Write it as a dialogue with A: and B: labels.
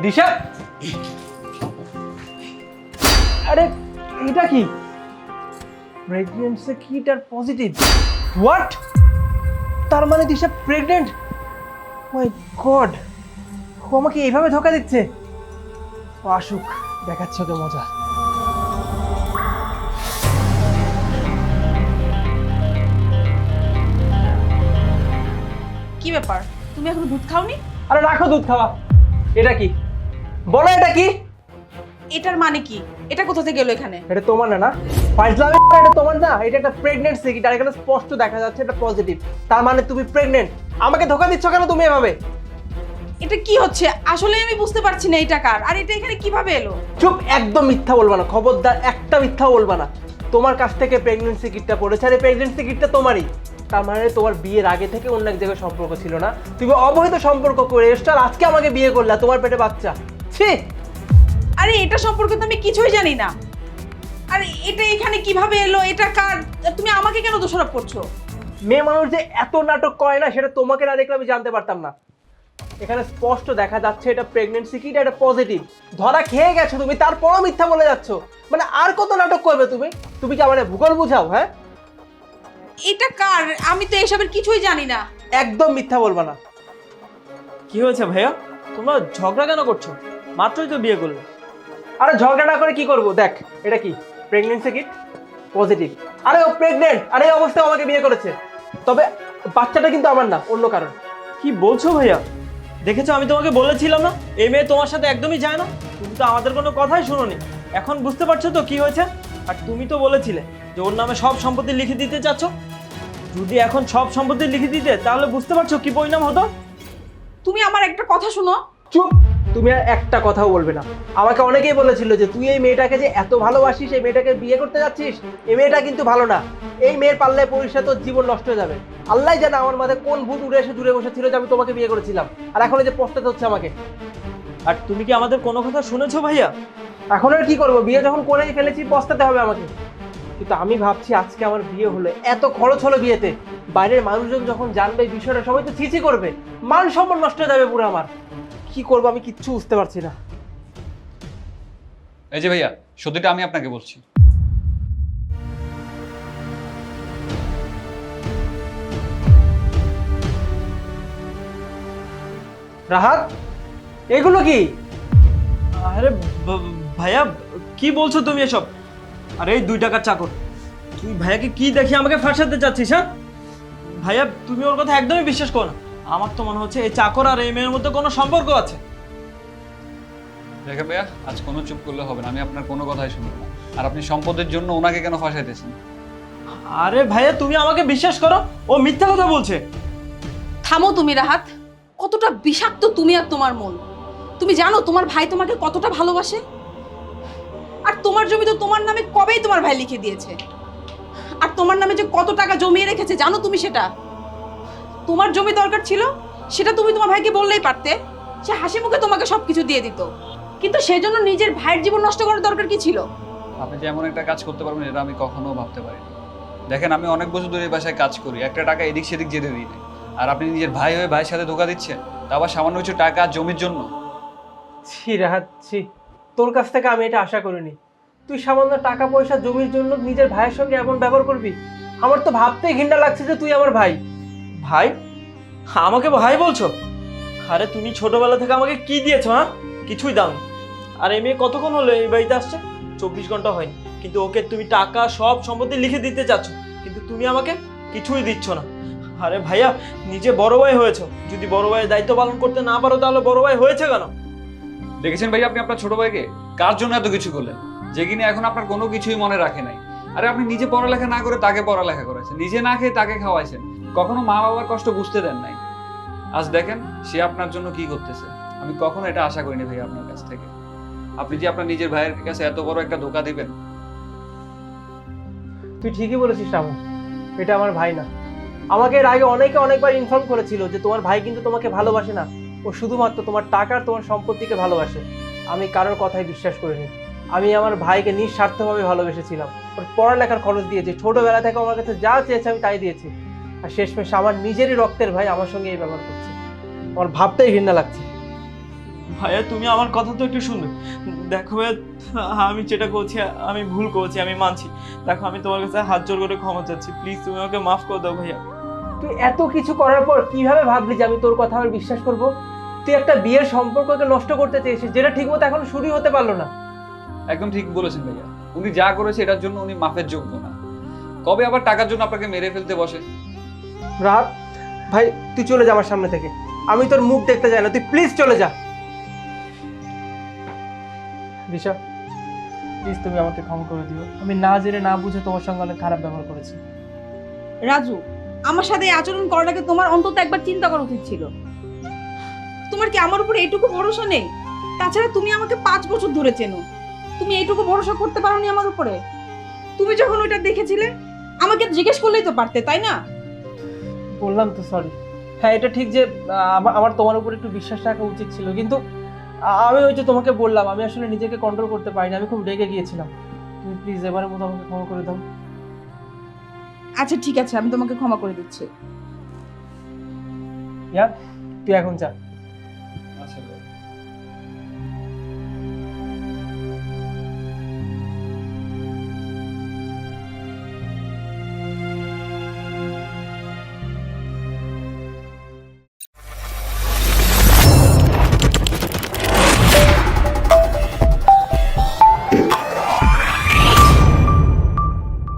A: দিশা, আরে এটা কি? প্রেগন্যান্সি কিট আর পজিটিভ। হোয়াট? তার মানে দিশা প্রেগনেন্ট? মাই গড, ও আমাকে এইভাবে ধোকা দিচ্ছে। ও আসুক, দেখাচ্ছে ওকে মজা।
B: কি ব্যাপার, তুমি এখন দুধ খাওনি?
A: আরে রাখো দুধ খাওয়া। এটা কি বলো, এটা কি?
B: এটার মানে কি? এটা কোথা থেকে এলো এখানে?
A: এটা তোমার না? না ফাইজলামি, এটা তোমার না। এটা একটা প্রেগন্যান্সি কিট, আর এখানে স্পষ্ট দেখা যাচ্ছে এটা পজিটিভ। তার মানে তুমি প্রেগনেন্ট। আমাকে ধোকা দিচ্ছ কেন তুমি এভাবে?
B: এটা কি হচ্ছে আসলে আমি বুঝতে পারছি না এটা কার, আর এটা এখানে কিভাবে এলো?
A: চুপ, একদম মিথ্যা বলবা না, খবরদার একটা মিথ্যা বলবা না। তোমার কাছ থেকে প্রেগন্যান্সি কিটটা পড়েছে, আর এই প্রেগন্যান্সি কিটটা তোমারই। তার মানে তোমার বিয়ের আগে থেকে অন্য এক জায়গায় সম্পর্ক ছিল না, তুমি অবৈধ সম্পর্ক করে এসছো, আর আজকে আমাকে বিয়ে করলা, তোমার পেটে বাচ্চা। ছি!
B: আরে এটা সম্পর্কে তো আমি কিছুই জানি না। আর এটা এখানে কিভাবে এলো, এটা কার? তুমি আমাকে কেন দোষারোপ করছো?
A: মেয়ে মানুষ যে এত নাটক করে না, সেটা তোমাকে না দেখলে আমি জানতে পারতাম না। এখানে স্পষ্ট দেখা যাচ্ছে এটা প্রেগন্যান্সি কিট, এটা পজিটিভ। ধরা খেয়ে গেছো তুমি, তারপরও মিথ্যা বলে যাচ্ছ। মানে আর কত নাটক করবে তুমি? তুমি কি আমার ভূগোল বুঝাও? হ্যাঁ,
B: এটা কার? আমি তো এসবের কিছুই জানি না।
A: একদম মিথ্যা বলবা না।
C: কি হয়েছে ভাইয়া, তোমরা ঝগড়া কেন করছো? মাত্রই তো বিয়ে করলে।
A: আরে ঝগড়া না করে কি করব? দেখ, এটা কি? Pregnancy kit positive. আরে ও প্রেগনেন্ট, আর এই অবস্থায় আমাকে বিয়ে করেছে। তবে বাচ্চাটা কিন্তু আমার না, অন্য কারণ।
C: কি বলছো ভাইয়া? দেখেছো, আমি তোমাকে বলেছিলাম না এই মেয়ে তোমার সাথে একদমই যায় না। তুমি তো আমাদের কোনো কথাই শোনোনি। এখন বুঝতে পারছো তো কি হয়েছে? আর তুমি তো বলেছিলে যে ওর নামে সব সম্পত্তি লিখে দিতে চাচ্ছ। যদি এখন সব সম্পত্তি লিখে দিতে, তাহলে বুঝতে পারছো কি পরিণাম হতো।
B: তুমি আমার একটা কথা শোনো।
A: চুপ, তুমি আর একটা কথাও বলবে না। আমাকে অনেকেই বলেছিল যে তুই এই মেয়েটাকে যে এত ভালোবাসিস, এই মেয়েটাকে বিয়ে করতে যাচ্ছিস, এই মেয়েটা কিন্তু ভালো না। এই মেয়ের পাল্লায় পরিষ্কার তোর জীবন নষ্ট হয়ে যাবে। আল্লাহ জানে আমার মাথায় কোন ভূত উড়ে এসে দূরে বসেছিল যে আমি তোমাকে বিয়ে করেছিলাম, আর এখন এই যে পস্তাতে হচ্ছে আমাকে।
C: আর তুমি কি আমাদের কোনো কথা শুনেছো ভাইয়া?
A: এখন আর কি করবো? বিয়ে যখন করেই ফেলেছি, পস্তাতে হবে আমাকে। কিন্তু আমি ভাবছি আজকে আমার বিয়ে হলে এত খরচ হলো বিয়েতে, বাইরের মানুষজন যখন জানবে এই বিষয়টা, সবাই তো ছিছি করবে, মান সম্মান নষ্ট হয়ে যাবে পুরো আমার। কি করবো আমি কিচ্ছু বুঝতে পারছি না।
D: এই যে ভাইয়া, সত্যিটা আমি আপনাকে বলছি।
A: রাহাত, এগুলো কি?
C: আরে ভাইয়া, কি বলছো তুমি এসব? আরে এই 2 টাকার চাকর, তুই ভাইয়াকে কি দেখি আমাকে ফাঁসাতে চাচ্ছিস? হ্যাঁ ভাইয়া, তুমি ওর কথা একদমই বিশ্বাস করো না। আমার তো মনে হচ্ছে এই চাকর আর এই মেয়ের মধ্যে কোনো সম্পর্ক আছে।
D: দেখে ভাইয়া, আজ কোনো চুপ করলে হবে না, আমি আপনার কোনো কথাই শুনবো না। আর আপনি সম্পদের জন্য ওনাকে কেন ফাঁসাইতেছেন?
C: আরে ভাইয়া, তুমি আমাকে বিশ্বাস করো, ও মিথ্যা কথা বলছে।
B: থামো তুমি রাহাত। কতটা বিষাক্ত তুমি আর তোমার মন। তুমি জানো তোমার ভাই তোমাকে কতটা ভালোবাসে? আর তোমার জমি তো তোমার নামে কবেই তোমার ভাই লিখে দিয়েছে। আর তোমার নামে যে কত টাকা জমিয়ে রেখেছে জানো তুমি সেটা? তোমার জমি দরকার ছিল, সেটা তুমি তোমার ভাইকে বললেই পারতে। সে হাসি মুখে তোমাকে সবকিছু দিয়ে দিত। কিন্তু সেজন্য নিজের ভাইয়ের জীবন নষ্ট করার দরকার কি ছিল?
D: আপনি যে এমন একটা কাজ করতে পারবেন এটা আমি কখনো ভাবতে পারিনি। দেখেন, আমি অনেক বছর ধরে এই বাসায় কাজ করি, একটা টাকা এদিক সেদিক যেতে দিই না। আর আপনি নিজের ভাই হয়ে ভাইয়ের সাথে ধোকা দিচ্ছেন, তা আবার সামান্য কিছু টাকা আর জমির জন্য।
A: ছি রাহাত, ছি, তোর কাছ থেকে আমি এটা আশা করিনি। তুই সামান্য টাকা পয়সা জমির জন্য নিজের ভাইয়ের সঙ্গে এমন ব্যবহার করবি? আমার তো ভাবতেই ঘৃণা লাগছে যে তুই আমার ভাই।
C: ভাই? আমাকে ভাই বলছো? আরে তুমি ছোটবেলা থেকে আমাকে কি দিয়েছো? হ্যাঁ, কিছুই দাও। আর এই মেয়ে কতক্ষণ হলো এই বাড়িতে আসছে? 24 ঘন্টা হয়নি, কিন্তু ওকে তুমি টাকা সব সম্পত্তি লিখে দিতে চাচ্ছ, কিন্তু তুমি আমাকে কিছুই দিচ্ছ না। আরে ভাইয়া, নিজে বড় ভাই হয়েছো, যদি বড় ভাইয়ের দায়িত্ব পালন করতে না পারো তাহলে বড় ভাই হয়েছে কেন?
D: দেখেছেন ভাই, আপনি আপনার ছোট ভাইকে কার জন্য এত কিছু করলেন, যে কিনা এখন আপনার কোনো কিছুই মনে রাখে নাই। আরে আপনি নিজে পড়ালেখা না করে তাকে পড়ালেখা করাইছেন, নিজে না খেয়ে তাকে খাওয়াইছেন, কখনো মা বাবার কষ্ট বুঝতে দেন নাই। আজ দেখেন সে আপনার জন্য কি করতেছে। আমি কখনো এটা আশা করিনি ভাই আপনার কাছ থেকে। আপনি যে আপনার নিজের ভাইয়ের কাছে এত বড় একটা ধোকা দিবেন।
A: তুই ঠিকই বলেছিস রামু, এটা আমার ভাই না। আমাকে এর আগে অনেকে অনেকবার ইনফর্ম করেছিল যে তোমার ভাই কিন্তু তোমাকে ভালোবাসে না, ও শুধুমাত্র তোমার টাকা আর তোমার সম্পত্তিকে ভালোবাসে। আমি কারোর কথাই বিশ্বাস করিনি। আমি আমার ভাইকে নিঃস্বার্থভাবে ভালোবেসেছিলাম। ওর পড়ালেখার খরচ দিয়েছি, ছোটবেলা থেকে আমার কাছে যা চেয়েছে আমি তাই দিয়েছি। আর শেষমেশ আমার নিজেরই রক্তের ভাই আমার সঙ্গে এই ব্যবহার করছে। আমার ভাবতেই ঘৃণা লাগছে।
C: ভাইয়া তুমি আমার কথা তো একটু শুনো। দেখো ভাইয়া, আমি যেটা করছি আমি ভুল করেছি, আমি মানছি। দেখো আমি তোমার কাছে হাত জোর করে ক্ষমা চাচ্ছি, প্লিজ তুমি আমাকে মাফ করে দাও ভাইয়া।
A: তুই এত কিছু করার পর কিভাবে ভাবলি যে আমি তোর কথা আবার বিশ্বাস করব? তুই একটা বিয়ের সম্পর্ককে নষ্ট করতে চেয়েছিস, যেটা ঠিকমতো এখনো শুরুই হতে পারলো না।
D: একদম ঠিক বলেছেন ভাইয়া, উনি যা করেছে এটার জন্য উনি মাফের যোগ্য না। কবে আবার টাকার জন্য আপনাকে মেরে ফেলতে বসে।
A: রাহাত ভাই, তুই চলে যা আমার সামনে থেকে। আমি তোর মুখ দেখতে চাই না, তুই প্লিজ চলে যা। রিশা, প্লিজ তুমি আমাকে ক্ষমা করে দিও। আমি না জেনে না বুঝে তোমার সঙ্গে অনেক খারাপ ব্যবহার করেছি।
B: রাজু, আমার সাথে এই আচরণ করার আগে তোমার অন্তত একবার চিন্তা করা উচিত ছিল। তোমার কি আমার উপরে এইটুকু ভরসা নেই? তাছাড়া তুমি আমাকে 5 বছর ধরে চেনো, তুমি এইটুকু ভরসা করতে পারোনি আমার উপরে? তুমি যখন ওইটা দেখেছিলে আমাকে জিজ্ঞেস করলেই তো পারতে, তাই না?
A: বললাম তো সরি। হ্যাঁ, এটা ঠিক যে আমার তোমার উপর একটু বিশ্বাস রাখা উচিত ছিল, কিন্তু আমি ওই যে তোমাকে বললাম আমি আসলে নিজেকে কন্ট্রোল করতে পারিনি, আমি খুব রেগে গিয়েছিলাম। তুমি প্লিজ এবারের মতো আমাকে ক্ষমা করে দাও।
B: আচ্ছা ঠিক আছে, আমি তোমাকে ক্ষমা করে দিচ্ছি।
A: ইয়া, তুই এখন যা।
D: আচ্ছা ভাই।